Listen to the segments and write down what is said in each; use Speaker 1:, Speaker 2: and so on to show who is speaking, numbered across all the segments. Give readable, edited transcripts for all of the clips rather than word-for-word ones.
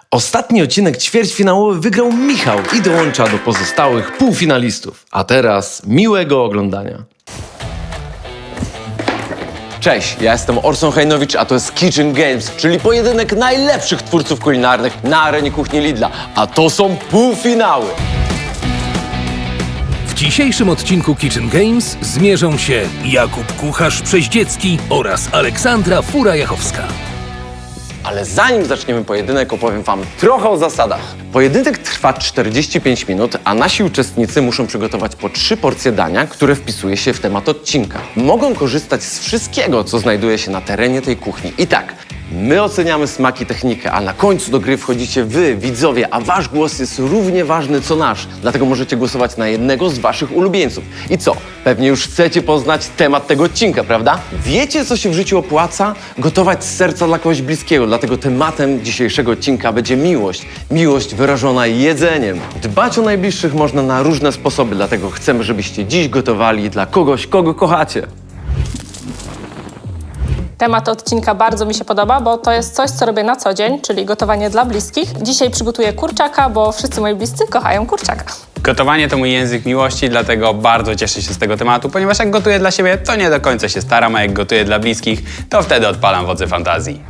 Speaker 1: Ostatni odcinek ćwierćfinałowy wygrał Michał i dołącza do pozostałych półfinalistów. A teraz miłego oglądania. Cześć, ja jestem Orson Hajnowicz, a to jest Kitchen Games, czyli pojedynek najlepszych twórców kulinarnych na arenie kuchni Lidla. A to są półfinały.
Speaker 2: W dzisiejszym odcinku Kitchen Games zmierzą się Jakub Kucharz-Przeździecki oraz Aleksandra Fura-Jachowska.
Speaker 1: Ale zanim zaczniemy pojedynek, opowiem wam trochę o zasadach. Pojedynek trwa 45 minut, a nasi uczestnicy muszą przygotować po 3 porcje dania, które wpisuje się w temat odcinka. Mogą korzystać z wszystkiego, co znajduje się na terenie tej kuchni. I tak, my oceniamy smak i technikę, a na końcu do gry wchodzicie wy, widzowie, a wasz głos jest równie ważny co nasz. Dlatego możecie głosować na jednego z waszych ulubieńców. I co? Pewnie już chcecie poznać temat tego odcinka, prawda? Wiecie, co się w życiu opłaca? Gotować z serca dla kogoś bliskiego. Dlatego tematem dzisiejszego odcinka będzie miłość. Miłość wyrażona jedzeniem. Dbać o najbliższych można na różne sposoby, dlatego chcemy, żebyście dziś gotowali dla kogoś, kogo kochacie.
Speaker 3: Temat odcinka bardzo mi się podoba, bo to jest coś, co robię na co dzień, czyli gotowanie dla bliskich. Dzisiaj przygotuję kurczaka, bo wszyscy moi bliscy kochają kurczaka.
Speaker 4: Gotowanie to mój język miłości, dlatego bardzo cieszę się z tego tematu, ponieważ jak gotuję dla siebie, to nie do końca się staram, a jak gotuję dla bliskich, to wtedy odpalam wodze fantazji.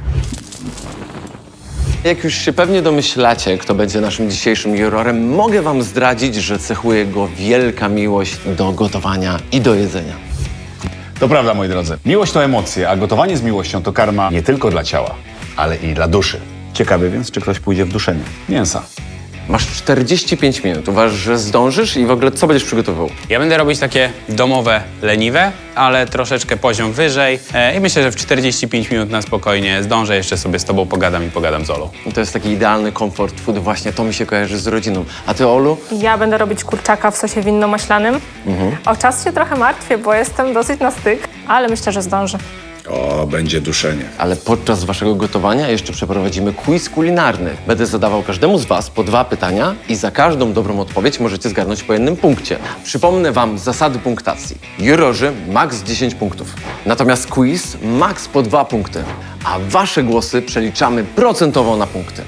Speaker 1: Jak już się pewnie domyślacie, kto będzie naszym dzisiejszym jurorem, mogę wam zdradzić, że cechuje go wielka miłość do gotowania i do jedzenia.
Speaker 5: To prawda, moi drodzy. Miłość to emocje, a gotowanie z miłością to karma nie tylko dla ciała, ale i dla duszy. Ciekawy więc, czy ktoś pójdzie w duszenie mięsa.
Speaker 1: Masz 45 minut. Uważasz, że zdążysz i w ogóle co będziesz przygotowywał?
Speaker 4: Ja będę robić takie domowe, leniwe, ale troszeczkę poziom wyżej i myślę, że w 45 minut na spokojnie zdążę, jeszcze sobie z tobą pogadam i pogadam z Olą.
Speaker 1: I to jest taki idealny comfort food, właśnie to mi się kojarzy z rodziną. A ty, Olu?
Speaker 3: Ja będę robić kurczaka w sosie winno-maślanym. O czas się trochę martwię, bo jestem dosyć na styk, ale myślę, że zdążę.
Speaker 5: O, będzie duszenie.
Speaker 1: Ale podczas waszego gotowania jeszcze przeprowadzimy quiz kulinarny. Będę zadawał każdemu z was po 2 pytania i za każdą dobrą odpowiedź możecie zgarnąć po 1 punkcie. Przypomnę wam zasady punktacji. Jurorzy max 10 punktów. Natomiast quiz max po 2 punkty. A wasze głosy przeliczamy procentowo na punkty.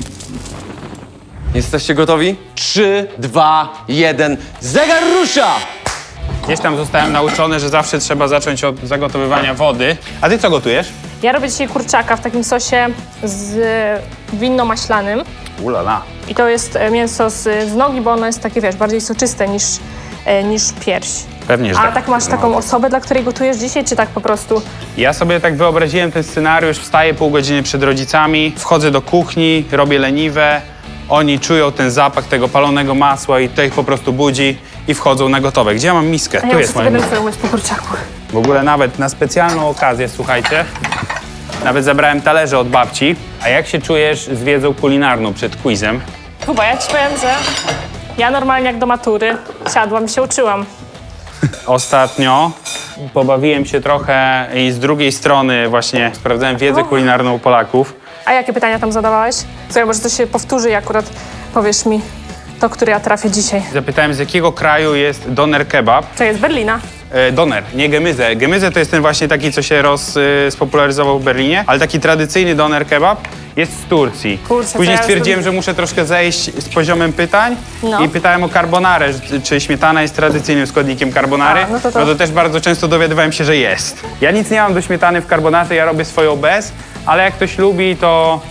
Speaker 1: Jesteście gotowi? 3, 2, 1, zegar rusza!
Speaker 4: Gdzieś tam zostałem nauczony, że zawsze trzeba zacząć od zagotowywania wody. A ty co gotujesz?
Speaker 3: Ja robię dzisiaj kurczaka w takim sosie z winno-maślanym.
Speaker 4: Ulala.
Speaker 3: I to jest mięso z nogi, bo ono jest takie, wiesz, bardziej soczyste niż pierś.
Speaker 4: Pewnie, że
Speaker 3: A
Speaker 4: tak.
Speaker 3: tak masz taką osobę, dla której gotujesz dzisiaj, czy tak po prostu?
Speaker 4: Ja sobie tak wyobraziłem ten scenariusz, wstaję pół godziny przed rodzicami, wchodzę do kuchni, robię leniwe, oni czują ten zapach tego palonego masła i to ich po prostu budzi i wchodzą na gotowe. Gdzie ja mam miskę?
Speaker 3: A
Speaker 4: Tu
Speaker 3: ja
Speaker 4: jest
Speaker 3: muszę
Speaker 4: moja
Speaker 3: sobie
Speaker 4: miska.
Speaker 3: umyć po kurczaku.
Speaker 4: W ogóle nawet na specjalną okazję, słuchajcie, nawet zabrałem talerze od babci. A jak się czujesz z wiedzą kulinarną przed quizem?
Speaker 3: Kuba, ja ci powiem, że ja normalnie jak do matury siadłam i się uczyłam.
Speaker 4: Ostatnio pobawiłem się trochę i z drugiej strony właśnie sprawdzałem wiedzę kulinarną Polaków.
Speaker 3: A jakie pytania tam zadawałeś? Słuchaj, może to się powtórzy i akurat powiesz mi to, które ja trafię dzisiaj.
Speaker 4: Zapytałem, z jakiego kraju jest doner kebab.
Speaker 3: To jest Berlina.
Speaker 4: Doner, nie gemyzę. Gemyzę to jest ten właśnie taki, co się spopularyzował w Berlinie, ale taki tradycyjny doner kebab jest z Turcji.
Speaker 3: Kurczę, to
Speaker 4: Później
Speaker 3: ja
Speaker 4: stwierdziłem,
Speaker 3: jestem-
Speaker 4: że muszę troszkę zejść z poziomem pytań
Speaker 3: No.
Speaker 4: i pytałem o carbonarę, czy śmietana jest tradycyjnym składnikiem carbonary.
Speaker 3: A, no to-
Speaker 4: też bardzo często dowiadywałem się, że jest. Ja nic nie mam do śmietany w carbonarze, ja robię swoją bez, ale jak ktoś lubi, to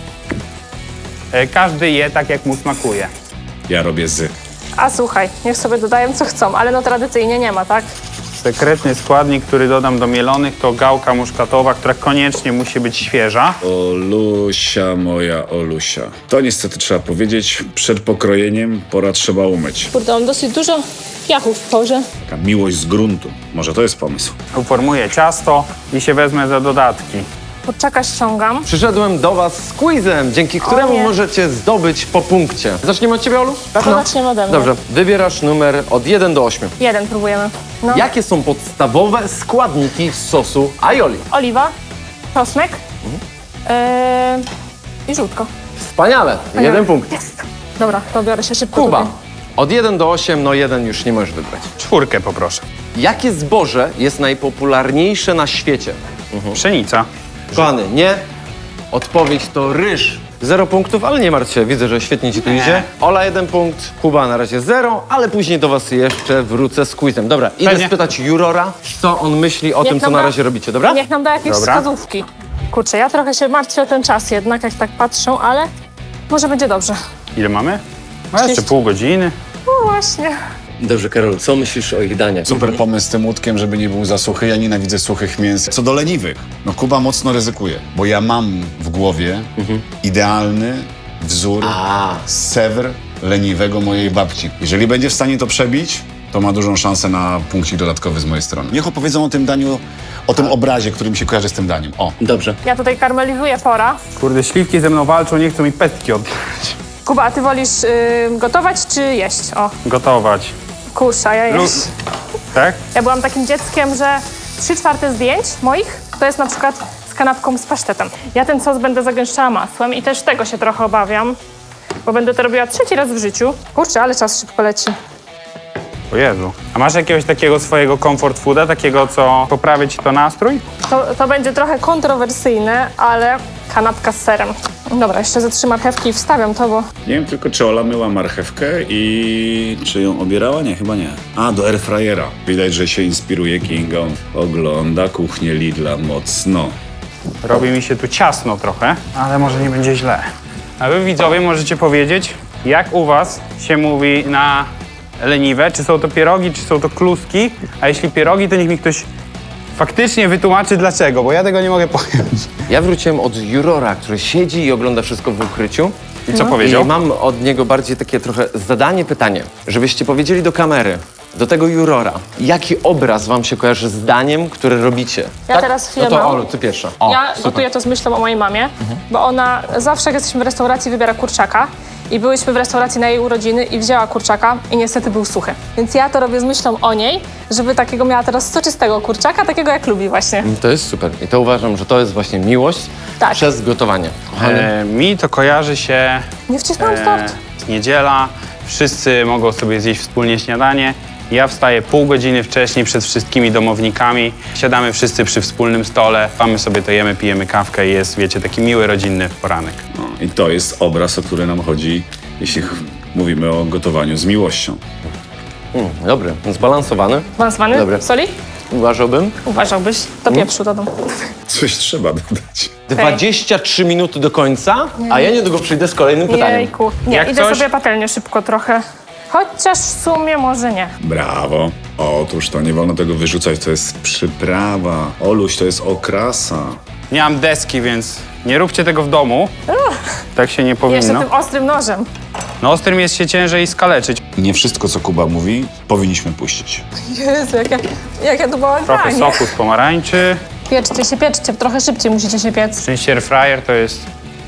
Speaker 4: każdy je tak, jak mu smakuje.
Speaker 5: Ja robię z.
Speaker 3: A słuchaj, niech sobie dodają co chcą, ale no tradycyjnie nie ma, tak?
Speaker 4: Sekretny składnik, który dodam do mielonych, to gałka muszkatowa, która koniecznie musi być świeża.
Speaker 5: Olusia, moja Olusia. To niestety trzeba powiedzieć, przed pokrojeniem pora trzeba umyć.
Speaker 3: Kurde, mam dosyć dużo piachów w porze.
Speaker 5: Taka miłość z gruntu. Może to jest pomysł.
Speaker 4: Uformuję ciasto i się wezmę za dodatki.
Speaker 3: Kurczaka ściągam.
Speaker 1: Przyszedłem do was z quizem, dzięki któremu
Speaker 3: nie.
Speaker 1: możecie zdobyć po punkcie. Zaczniemy od ciebie, Olu?
Speaker 3: To zaczniemy ode mnie.
Speaker 1: Dobrze, wybierasz numer od 1 do 8.
Speaker 3: 1 próbujemy. No.
Speaker 1: Jakie są podstawowe składniki sosu aioli?
Speaker 3: Oliwa, czosnek i żółtko.
Speaker 1: Wspaniale, 1 punkt.
Speaker 3: Jest. Dobra, to biorę się szybko.
Speaker 1: Kuba,
Speaker 3: tutaj.
Speaker 1: od 1 do 8, no 1 już nie możesz wybrać.
Speaker 4: 4 poproszę.
Speaker 1: Jakie zboże jest najpopularniejsze na świecie?
Speaker 4: Pszenica.
Speaker 1: Kochany, nie. Odpowiedź to ryż. 0 punktów, ale nie martw się, widzę, że świetnie ci tu idzie. Ola 1 punkt, Kuba na razie 0, ale później do was jeszcze wrócę z quizem. Dobra, idę
Speaker 4: Pewnie.
Speaker 1: spytać Jurora, co on myśli o tym, co
Speaker 3: nam
Speaker 1: na
Speaker 3: da-
Speaker 1: razie robicie, dobra?
Speaker 3: Niech nam da jakieś
Speaker 4: Dobra.
Speaker 3: wskazówki. Kurczę, ja trochę się martwię o ten czas jednak, jak tak patrzę, ale może będzie dobrze.
Speaker 4: Ile mamy? No jeszcze
Speaker 3: 30.
Speaker 4: pół godziny.
Speaker 3: No właśnie.
Speaker 1: Dobrze, Karol, co myślisz o ich daniach?
Speaker 5: Super pomysł z tym łódkiem, żeby nie był za suchy. Ja nienawidzę suchych mięs. Co do leniwych, no Kuba mocno ryzykuje, bo ja mam w głowie idealny wzór sewr leniwego mojej babci. Jeżeli będzie w stanie to przebić, to ma dużą szansę na punkcik dodatkowy z mojej strony. Niech opowiedzą o tym daniu, o tym obrazie, który mi się kojarzy z tym daniem. O.
Speaker 1: Dobrze.
Speaker 3: Ja tutaj karmelizuję pora.
Speaker 4: Kurde, śliwki ze mną walczą, nie chcą mi pestki oddać.
Speaker 3: Kuba, a ty wolisz gotować czy jeść? O,
Speaker 4: Gotować.
Speaker 3: kurczę, ja
Speaker 4: Lu-
Speaker 3: jeść.
Speaker 4: Tak?
Speaker 3: Ja byłam takim dzieckiem, że 3/4 zdjęć moich to jest na przykład z kanapką z pasztetem. Ja ten sos będę zagęszczała masłem i też tego się trochę obawiam, bo będę to robiła 3. raz w życiu. Kurczę, ale czas szybko leci.
Speaker 4: O Jezu. A masz jakiegoś takiego swojego comfort fooda, takiego, co poprawia ci to nastrój?
Speaker 3: To będzie trochę kontrowersyjne, ale kanapka z serem. Dobra, jeszcze ze 3 marchewki i wstawiam to, bo
Speaker 5: Nie wiem tylko, czy Ola myła marchewkę i czy ją obierała? Nie, chyba nie. A, do airfryera. Widać, że się inspiruje Kingą. Ogląda kuchnię Lidla mocno.
Speaker 4: Robi mi się tu ciasno trochę, ale może nie będzie źle. A wy widzowie możecie powiedzieć, jak u was się mówi na leniwe? Czy są to pierogi, czy są to kluski? A jeśli pierogi, to niech mi ktoś faktycznie wytłumaczy dlaczego, bo ja tego nie mogę pojąć.
Speaker 1: Ja wróciłem od Jurora, który siedzi i ogląda wszystko w ukryciu.
Speaker 4: I co powiedział?
Speaker 1: I mam od niego bardziej takie trochę zadanie, pytanie, żebyście powiedzieli do kamery, do tego Jurora, jaki obraz wam się kojarzy z daniem, które robicie.
Speaker 3: Ja teraz chwilę
Speaker 1: No to
Speaker 3: mam.
Speaker 1: Olu, ty pierwsza. O,
Speaker 3: ja
Speaker 1: super.
Speaker 3: gotuję to z myślą o mojej mamie, bo ona zawsze jak jesteśmy w restauracji wybiera kurczaka i byłyśmy w restauracji na jej urodziny i wzięła kurczaka i niestety był suchy. Więc ja to robię z myślą o niej, żeby takiego miała teraz soczystego kurczaka, takiego jak lubi właśnie.
Speaker 1: To jest super. I to uważam, że to jest właśnie miłość
Speaker 3: Tak.
Speaker 1: przez gotowanie. Kochany,
Speaker 4: Mi to kojarzy się
Speaker 3: Nie wcisnąłem start.
Speaker 4: niedziela, wszyscy mogą sobie zjeść wspólnie śniadanie. Ja wstaję pół godziny wcześniej przed wszystkimi domownikami, siadamy wszyscy przy wspólnym stole, mamy sobie to jemy, pijemy kawkę i jest, wiecie, taki miły, rodzinny poranek.
Speaker 5: No, i to jest obraz, o który nam chodzi, jeśli mówimy o gotowaniu z miłością.
Speaker 1: Dobry, zbalansowany.
Speaker 3: Awansowany?
Speaker 1: Dobry.
Speaker 3: Soli?
Speaker 1: Uważałbym.
Speaker 3: Uważałbyś? To pieprzu dodam.
Speaker 5: Coś trzeba dodać.
Speaker 1: 23 minuty do końca, a ja niedługo przyjdę z kolejnym pytaniem.
Speaker 3: Jejku. Nie,
Speaker 4: Jak
Speaker 3: idę
Speaker 4: coś-
Speaker 3: sobie patelnię szybko trochę. Chociaż w sumie może nie.
Speaker 5: Brawo. Otóż to nie wolno tego wyrzucać, to jest przyprawa. Oluś, to jest okrasa.
Speaker 4: Nie mam deski, więc nie róbcie tego w domu. Tak się nie
Speaker 3: Jeszcze
Speaker 4: powinno.
Speaker 3: tym ostrym nożem.
Speaker 4: No ostrym jest się ciężej skaleczyć.
Speaker 5: Nie wszystko, co Kuba mówi, powinniśmy puścić.
Speaker 3: Jezu, jak ja tu byłam
Speaker 4: Trochę soku z pomarańczy.
Speaker 3: Pieczcie, trochę szybciej musicie się piec.
Speaker 4: Szczęście airfryer to jest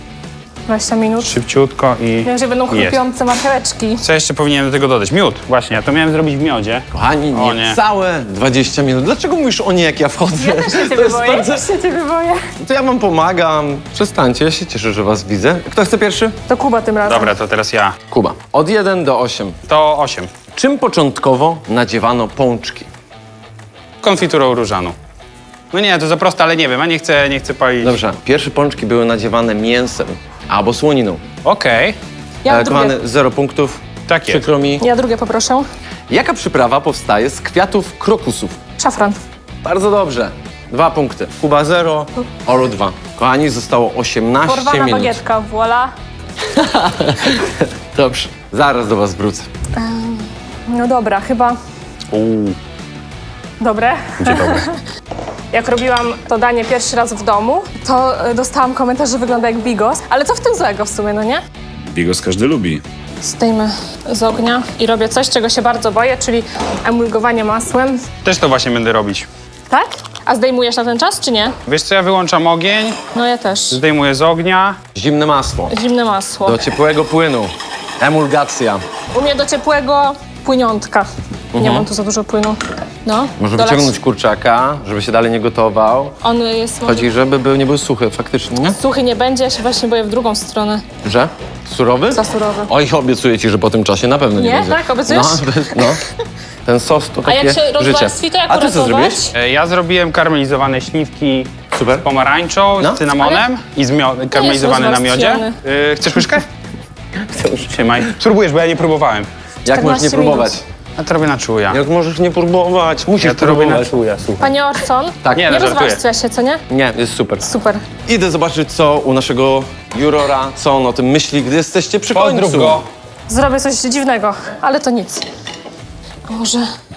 Speaker 3: 20 minut.
Speaker 4: szybciutko i
Speaker 3: Wiem, że będą
Speaker 4: jest.
Speaker 3: chrupiące marcheweczki.
Speaker 4: Co jeszcze powinienem do tego dodać? Miód. Właśnie, ja to miałem zrobić w miodzie.
Speaker 1: Kochani,
Speaker 4: O nie.
Speaker 1: niecałe 20 minut. Dlaczego mówisz o nie, jak ja wchodzę?
Speaker 3: Ja też się
Speaker 1: To
Speaker 3: ciebie
Speaker 1: jest
Speaker 3: boję,
Speaker 1: bardzo-
Speaker 3: też się ciebie boję.
Speaker 1: To ja wam pomagam. Przestańcie, ja się cieszę, że was widzę. Kto chce pierwszy?
Speaker 3: To Kuba tym razem.
Speaker 4: Dobra, to teraz ja.
Speaker 1: Kuba. Od 1 do 8.
Speaker 4: To 8.
Speaker 1: Czym początkowo nadziewano pączki?
Speaker 4: Konfiturą różaną. No nie, to za proste, ale nie wiem, a nie chcę palić.
Speaker 1: Dobrze, pierwsze pączki były nadziewane mięsem albo słoniną.
Speaker 4: Okej.
Speaker 3: Ja drugie.
Speaker 1: Kochany, 0 punktów.
Speaker 4: Tak jest.
Speaker 1: Przykro mi.
Speaker 3: Ja drugie poproszę.
Speaker 1: Jaka przyprawa powstaje z kwiatów krokusów?
Speaker 3: Szafran.
Speaker 1: Bardzo dobrze. 2 punkty. Kuba 0, Olu 2. Kochani, zostało 18
Speaker 3: Porwana
Speaker 1: minut.
Speaker 3: bagietka, voila.
Speaker 1: Dobrze, zaraz do was wrócę.
Speaker 3: No dobra, chyba dobre.
Speaker 4: Będzie dobre.
Speaker 3: Jak robiłam to danie pierwszy raz w domu, to dostałam komentarz, że wygląda jak bigos. Ale co w tym złego w sumie, no nie?
Speaker 5: Bigos każdy lubi.
Speaker 3: Zdejmę z ognia i robię coś, czego się bardzo boję, czyli emulgowanie masłem.
Speaker 4: Też to właśnie będę robić.
Speaker 3: Tak? A zdejmujesz na ten czas, czy nie?
Speaker 4: Wiesz co, ja wyłączam ogień,
Speaker 3: No ja też.
Speaker 4: zdejmuję z ognia.
Speaker 1: Zimne masło.
Speaker 3: Zimne masło.
Speaker 1: Do ciepłego płynu. Emulgacja.
Speaker 3: U mnie do ciepłego płyniątka. Nie mam tu za dużo płynu. No.
Speaker 1: Może
Speaker 3: dolać.
Speaker 1: wyciągnąć kurczaka, żeby się dalej nie gotował.
Speaker 3: On jest...
Speaker 1: Chodzi, żeby nie był suchy, faktycznie, nie?
Speaker 3: Suchy nie będzie, ja się właśnie boję w drugą stronę.
Speaker 1: Że? Surowy?
Speaker 3: Za surowy.
Speaker 1: Oj, obiecuję ci, że po tym czasie na pewno nie
Speaker 3: Nie?
Speaker 1: będzie.
Speaker 3: Tak? Obiecujesz?
Speaker 1: No. Ten sos to
Speaker 3: A
Speaker 1: takie
Speaker 3: jak się
Speaker 1: życie.
Speaker 3: rozwarstwi, to jak
Speaker 1: A ty co
Speaker 3: uratować?
Speaker 1: zrobiłeś?
Speaker 4: Ja zrobiłem karmelizowane śliwki,
Speaker 1: Super.
Speaker 4: Pomarańczą,
Speaker 1: No.
Speaker 4: z cynamonem i karamelizowany na miodzie.
Speaker 3: rozwarstwiony.
Speaker 4: Chcesz łyżkę? Trzymaj. Spróbujesz, bo ja nie próbowałem.
Speaker 1: Jak możesz nie
Speaker 3: 14
Speaker 1: próbować?
Speaker 4: Ja to robię na czuja.
Speaker 1: Jak możesz nie próbować? Musisz
Speaker 4: Ja to robię na
Speaker 1: próbować.
Speaker 4: czuja, słuchaj.
Speaker 3: Panie Orson,
Speaker 1: Tak.
Speaker 4: Nie,
Speaker 3: nie
Speaker 4: no, żartuję.
Speaker 3: rozwarstwia się, co nie?
Speaker 1: Nie, jest super.
Speaker 3: Super.
Speaker 1: Idę zobaczyć, co u naszego jurora, co on o tym myśli, gdy jesteście przy
Speaker 4: Pozdrów
Speaker 1: końcu.
Speaker 4: go.
Speaker 3: Zrobię coś dziwnego, ale to nic. A może...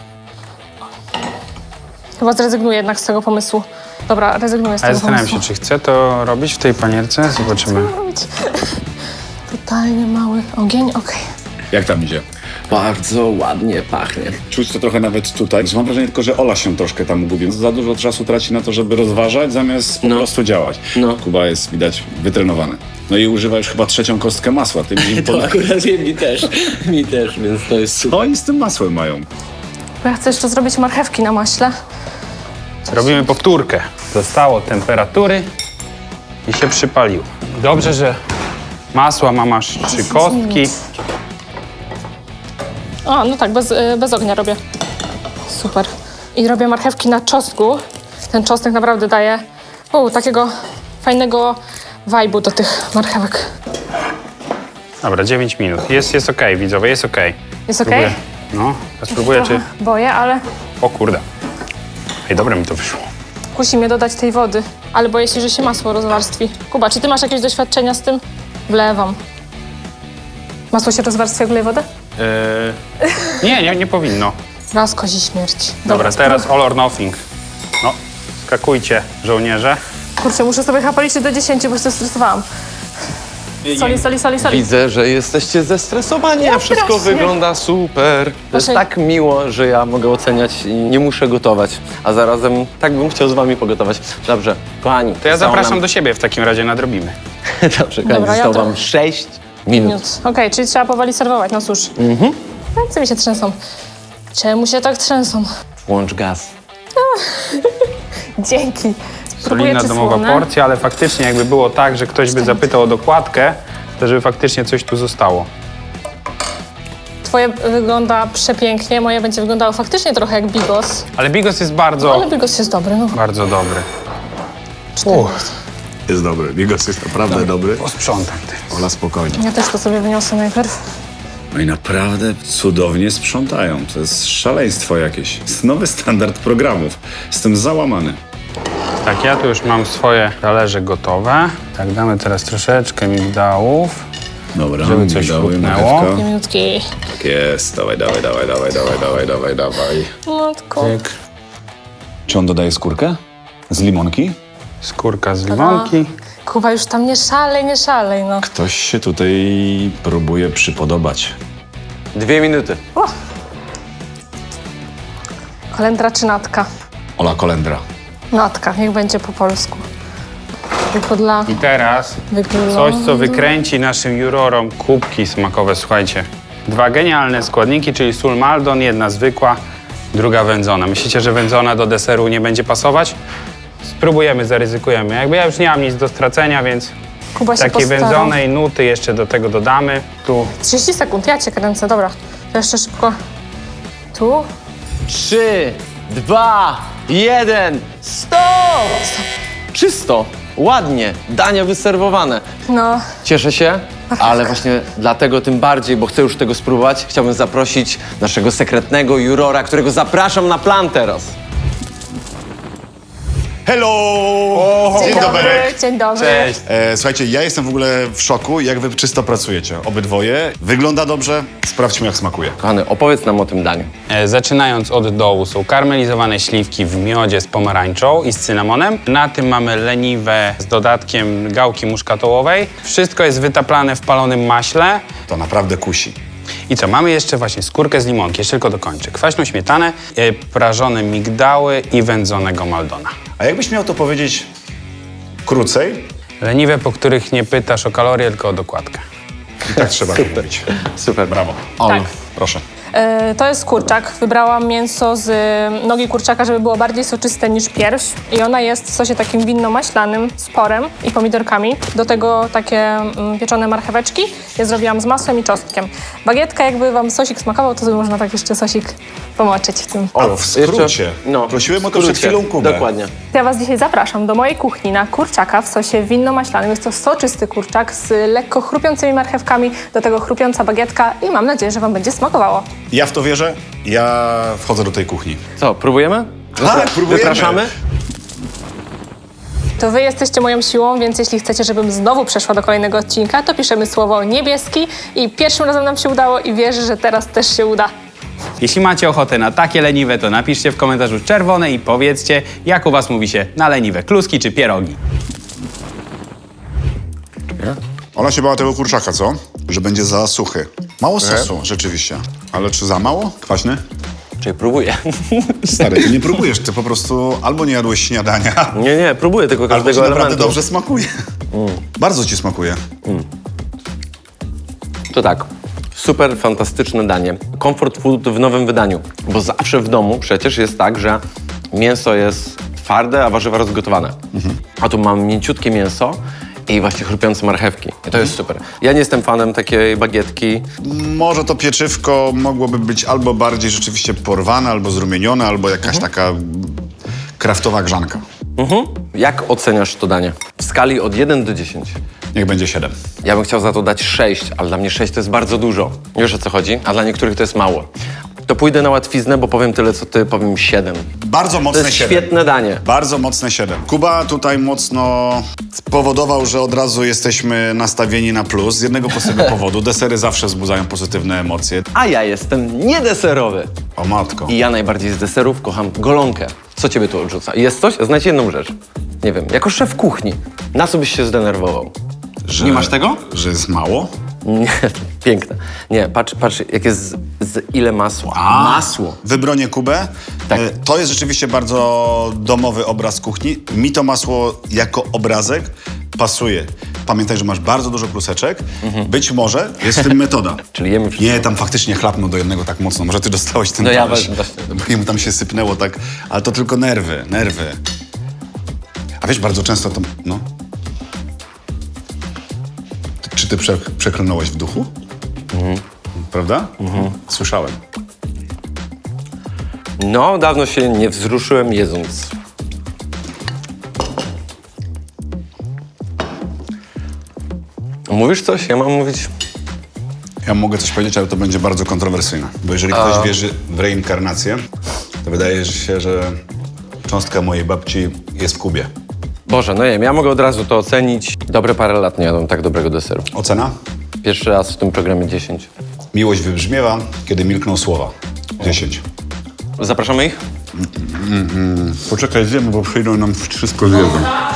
Speaker 3: Chyba zrezygnuję jednak z tego pomysłu. Dobra, rezygnuję z
Speaker 4: A ja
Speaker 3: tego
Speaker 4: zastanawiam
Speaker 3: pomysłu.
Speaker 4: się, czy chcę to robić w tej panierce? Zobaczymy.
Speaker 3: Robić. Totalnie mały ogień, okej.
Speaker 5: Jak tam idzie?
Speaker 1: Bardzo ładnie pachnie.
Speaker 5: Czuć to trochę nawet tutaj. Mam wrażenie tylko, że Ola się troszkę tam gubi. Za dużo czasu traci na to, żeby rozważać, zamiast po prostu działać.
Speaker 1: No.
Speaker 5: Kuba jest, widać, wytrenowany. No i używa już chyba 3. kostkę masła. Ty mi
Speaker 1: Akurat mi też, więc to jest super.
Speaker 5: Co oni z tym masłem mają?
Speaker 3: Bo ja chcę jeszcze zrobić marchewki na maśle.
Speaker 4: Robimy powtórkę. Zostało temperatury i się przypaliło. Dobrze, że masła mam aż 3 kostki.
Speaker 3: O, no tak, bez ognia robię. Super. I robię marchewki na czosnku. Ten czosnek naprawdę daje takiego fajnego vibe'u do tych marchewek.
Speaker 4: Dobra, 9 minut. Jest okej, widzowie, jest okej.
Speaker 3: Jest okej?
Speaker 4: Spróbuję. No, ja spróbuję, czy...
Speaker 3: Boję, ale
Speaker 4: O kurde. Ej, dobre mi to wyszło.
Speaker 3: kusi mnie dodać tej wody. Ale boję się, że się masło rozwarstwi. Kuba, czy ty masz jakieś doświadczenia z tym? Wlewam. Masło się rozwarstwia, jak wleję wodę?
Speaker 4: Nie powinno.
Speaker 3: Raz kozi śmierć.
Speaker 4: Dobra, teraz all or nothing. No, skakujcie, żołnierze.
Speaker 3: Kurczę, muszę sobie chyba policzyć do 10, bo się stresowałam. Soli.
Speaker 1: Widzę, że jesteście zestresowani, a wszystko
Speaker 3: strasznie.
Speaker 1: wygląda super. To jest
Speaker 3: Proszę.
Speaker 1: tak miło, że ja mogę oceniać i nie muszę gotować. A zarazem tak bym chciał z wami pogotować. Dobrze, kochani.
Speaker 4: To ja zapraszam do siebie w takim razie, nadrobimy.
Speaker 1: Dobrze, kochani,
Speaker 3: Dobra, ja
Speaker 1: zostało
Speaker 3: to-
Speaker 1: wam 6 minut.
Speaker 3: Minut. Okej, czyli trzeba powoli serwować, no cóż. Ręce mi się trzęsą. Czemu się tak trzęsą?
Speaker 1: Włącz gaz.
Speaker 3: Dzięki. Spróbuję,
Speaker 4: Solidna
Speaker 3: czy
Speaker 4: domowa
Speaker 3: słone.
Speaker 4: porcja, ale faktycznie jakby było tak, że ktoś by zapytał o dokładkę, to żeby faktycznie coś tu zostało.
Speaker 3: Twoje wygląda przepięknie, moje będzie wyglądało faktycznie trochę jak bigos.
Speaker 4: Ale bigos jest bardzo,
Speaker 3: Ale bigos jest dobry, no.
Speaker 4: bardzo dobry.
Speaker 5: Jest dobry. Bigos jest naprawdę dobry.
Speaker 4: Posprzątam ty.
Speaker 5: Ola, spokojnie.
Speaker 3: Ja też to sobie wyniosę najpierw.
Speaker 5: No i naprawdę cudownie sprzątają. To jest szaleństwo jakieś. Jest nowy standard programów. Jestem załamany.
Speaker 4: Tak, ja tu już mam swoje talerze gotowe. Tak, damy teraz troszeczkę migdałów.
Speaker 5: Dobra,
Speaker 4: Żeby coś
Speaker 5: migdały,
Speaker 4: chłupnęło.
Speaker 5: marchewka.
Speaker 3: Minutki.
Speaker 5: Tak jest. Dawaj.
Speaker 3: Matko.
Speaker 4: Tyk.
Speaker 5: Czy on dodaje skórkę? Z limonki?
Speaker 4: Skórka z limonki.
Speaker 3: Kuba, już tam nie szalej, no.
Speaker 5: Ktoś się tutaj próbuje przypodobać.
Speaker 1: 2 minuty.
Speaker 3: Kolendra czy natka?
Speaker 5: Ola, kolendra.
Speaker 3: Natka, niech będzie po polsku. Tylko dla
Speaker 4: I teraz
Speaker 3: wyglądu.
Speaker 4: coś, co wykręci naszym jurorom kubki smakowe. Słuchajcie, 2 genialne składniki, czyli sól Maldon, jedna zwykła, druga wędzona. Myślicie, że wędzona do deseru nie będzie pasować? Spróbujemy, zaryzykujemy. Jakby ja już nie mam nic do stracenia, więc
Speaker 3: Kuba się
Speaker 4: takiej
Speaker 3: postarał.
Speaker 4: wędzonej nuty jeszcze do tego dodamy. Tu
Speaker 3: 30 sekund, ja cię kręcę, dobra. To jeszcze szybko. Tu?
Speaker 1: 3, 2, 1, stop! Czysto, ładnie, dania wyserwowane.
Speaker 3: No.
Speaker 1: Cieszę się, ale właśnie dlatego tym bardziej, bo chcę już tego spróbować, chciałbym zaprosić naszego sekretnego jurora, którego zapraszam na plan teraz.
Speaker 5: Hello! Dzień dobry.
Speaker 3: Dzień dobry.
Speaker 4: cześć.
Speaker 5: Słuchajcie, ja jestem w ogóle w szoku, jak wy czysto pracujecie. Obydwoje. Wygląda dobrze. Sprawdźmy, jak smakuje.
Speaker 1: Kochany, opowiedz nam o tym daniu.
Speaker 4: Zaczynając od dołu są karmelizowane śliwki w miodzie z pomarańczą i z cynamonem. Na tym mamy leniwe z dodatkiem gałki muszkatołowej. Wszystko jest wytaplane w palonym maśle.
Speaker 5: To naprawdę kusi.
Speaker 4: I co, mamy jeszcze właśnie skórkę z limonki, jeszcze tylko dokończę. Kwaśną śmietanę, prażone migdały i wędzonego Maldona.
Speaker 5: A jakbyś miał to powiedzieć krócej,
Speaker 4: Leniwe, po których nie pytasz o kalorie, tylko o dokładkę.
Speaker 5: i tak trzeba to mówić.
Speaker 1: Super.
Speaker 5: Brawo.
Speaker 1: Olu,
Speaker 3: Tak.
Speaker 5: Proszę.
Speaker 3: To jest kurczak. Wybrałam mięso z nogi kurczaka, żeby było bardziej soczyste niż pierś. I ona jest w sosie takim winno-maślanym z porem i pomidorkami. Do tego takie pieczone marcheweczki. Ja zrobiłam z masłem i czosnkiem. Bagietka, jakby wam sosik smakował, to można tak jeszcze sosik pomoczyć w tym.
Speaker 5: A w skrócie. Prosiłem o to przed chwilą Kubę.
Speaker 1: Dokładnie.
Speaker 3: Ja was dzisiaj zapraszam do mojej kuchni na kurczaka w sosie winno-maślanym. Jest to soczysty kurczak z lekko chrupiącymi marchewkami, do tego chrupiąca bagietka i mam nadzieję, że wam będzie smakowało.
Speaker 5: Ja w to wierzę, ja wchodzę do tej kuchni.
Speaker 1: Co, próbujemy?
Speaker 5: Tak, próbujemy.
Speaker 1: Wypraszamy?
Speaker 3: To wy jesteście moją siłą, więc jeśli chcecie, żebym znowu przeszła do kolejnego odcinka, to piszemy słowo niebieski i pierwszym razem nam się udało i wierzę, że teraz też się uda.
Speaker 4: Jeśli macie ochotę na takie leniwe, to napiszcie w komentarzu czerwone i powiedzcie, jak u was mówi się na leniwe kluski czy pierogi.
Speaker 5: Ola się bała tego kurczaka, co? Że będzie za suchy. Mało sosu, rzeczywiście. Ale czy za mało? Kwaśny?
Speaker 1: Czyli próbuję.
Speaker 5: Stary, ty nie próbujesz, ty po prostu albo nie jadłeś śniadania,
Speaker 1: Nie, próbuję tylko
Speaker 5: albo ci
Speaker 1: każdego
Speaker 5: naprawdę
Speaker 1: elementu.
Speaker 5: dobrze smakuje. Bardzo ci smakuje.
Speaker 1: To tak, super fantastyczne danie. Comfort food w nowym wydaniu. Bo zawsze w domu przecież jest tak, że mięso jest twarde, a warzywa rozgotowane. A tu mam mięciutkie mięso i właśnie chrupiące marchewki. I to jest super. Ja nie jestem fanem takiej bagietki.
Speaker 5: Może to pieczywko mogłoby być albo bardziej rzeczywiście porwane, albo zrumienione, albo jakaś taka kraftowa grzanka.
Speaker 1: Jak oceniasz to danie? W skali od 1 do 10.
Speaker 5: Niech będzie 7.
Speaker 1: Ja bym chciał za to dać 6, ale dla mnie 6 to jest bardzo dużo. Wiesz, o co chodzi? A dla niektórych to jest mało. To pójdę na łatwiznę, bo powiem tyle, co ty, powiem 7.
Speaker 5: Bardzo
Speaker 1: To
Speaker 5: mocne
Speaker 1: jest
Speaker 5: 7.
Speaker 1: świetne danie.
Speaker 5: Bardzo mocne 7. Kuba tutaj mocno spowodował, że od razu jesteśmy nastawieni na plus. Z jednego prostego powodu. Desery zawsze wzbudzają pozytywne emocje.
Speaker 1: A ja jestem niedeserowy.
Speaker 5: O matko.
Speaker 1: I ja najbardziej z deserów kocham golonkę. Co ciebie tu odrzuca? Jest coś? Znajdź jedną rzecz. Nie wiem, jako szef kuchni, na co byś się zdenerwował? Nie masz tego?
Speaker 5: Że jest mało?
Speaker 1: Nie, piękne. Nie, patrz jak jest ile masła. Masło.
Speaker 5: Wybronię Kubę.
Speaker 1: Tak.
Speaker 5: To jest rzeczywiście bardzo domowy obraz kuchni. Mi to masło jako obrazek pasuje. Pamiętaj, że masz bardzo dużo kluseczek. Być może jest w tym metoda.
Speaker 1: Czyli jemy wszystko.
Speaker 5: Nie, tam faktycznie chlapnął do jednego tak mocno. Może ty dostałeś ten
Speaker 1: No ja
Speaker 5: talerz.
Speaker 1: właśnie.
Speaker 5: Bo jemu tam się sypnęło tak. Ale to tylko nerwy. A wiesz, bardzo często to... No. Czy ty przeklnąłeś w duchu? Prawda? Słyszałem.
Speaker 1: No, dawno się nie wzruszyłem jedząc. Mówisz coś? Ja mam mówić?
Speaker 5: Ja mogę coś powiedzieć, ale to będzie bardzo kontrowersyjne. Bo jeżeli ktoś wierzy w reinkarnację, to wydaje się, że cząstka mojej babci jest w Kubie.
Speaker 1: Boże, no nie wiem, ja mogę od razu to ocenić. Dobre parę lat nie jadłem tak dobrego deseru.
Speaker 5: Ocena?
Speaker 1: Pierwszy raz w tym programie 10.
Speaker 5: Miłość wybrzmiewa, kiedy milkną słowa. 10.
Speaker 1: Zapraszamy ich?
Speaker 5: Poczekaj, zjemy, bo przyjdą nam wszystko zjedzą.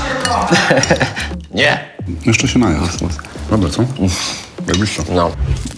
Speaker 1: Nie.
Speaker 5: Jeszcze się naja. Dobra, co? Jakbyś co?
Speaker 1: No.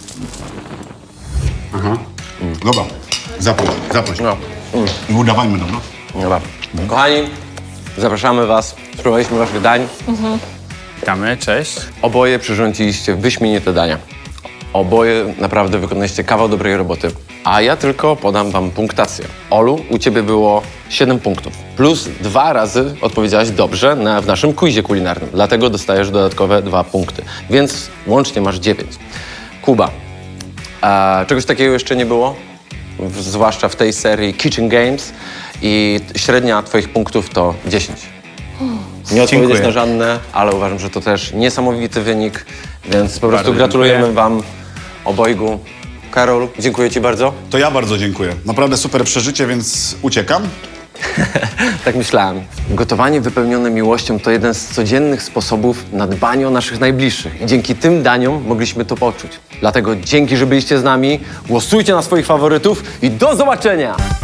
Speaker 5: Dobra, zaproś.
Speaker 1: No.
Speaker 5: I udawajmy, dobra?
Speaker 1: Dobra. Kochani, zapraszamy was. Spróbowaliśmy waszych dań.
Speaker 4: Witamy, cześć.
Speaker 1: Oboje przyrządziliście wyśmienite dania. Oboje naprawdę wykonaliście kawał dobrej roboty. A ja tylko podam wam punktację. Olu, u ciebie było 7 punktów. Plus 2 razy odpowiedziałaś dobrze w naszym quizie kulinarnym. Dlatego dostajesz dodatkowe 2 punkty. Więc łącznie masz 9. Kuba, czegoś takiego jeszcze nie było? Zwłaszcza w tej serii Kitchen Games. I średnia twoich punktów to 10. Nie odpowiedzieć
Speaker 4: Dziękuję.
Speaker 1: na żadne, ale uważam, że to też niesamowity wynik, więc po prostu
Speaker 4: Bardzo
Speaker 1: gratulujemy
Speaker 4: dziękuję.
Speaker 1: wam obojgu. Karol, dziękuję ci bardzo.
Speaker 5: To ja bardzo dziękuję. Naprawdę super przeżycie, więc uciekam.
Speaker 1: Tak myślałem. Gotowanie wypełnione miłością to jeden z codziennych sposobów na dbanie o naszych najbliższych. I dzięki tym daniom mogliśmy to poczuć. Dlatego dzięki, że byliście z nami. Głosujcie na swoich faworytów i do zobaczenia!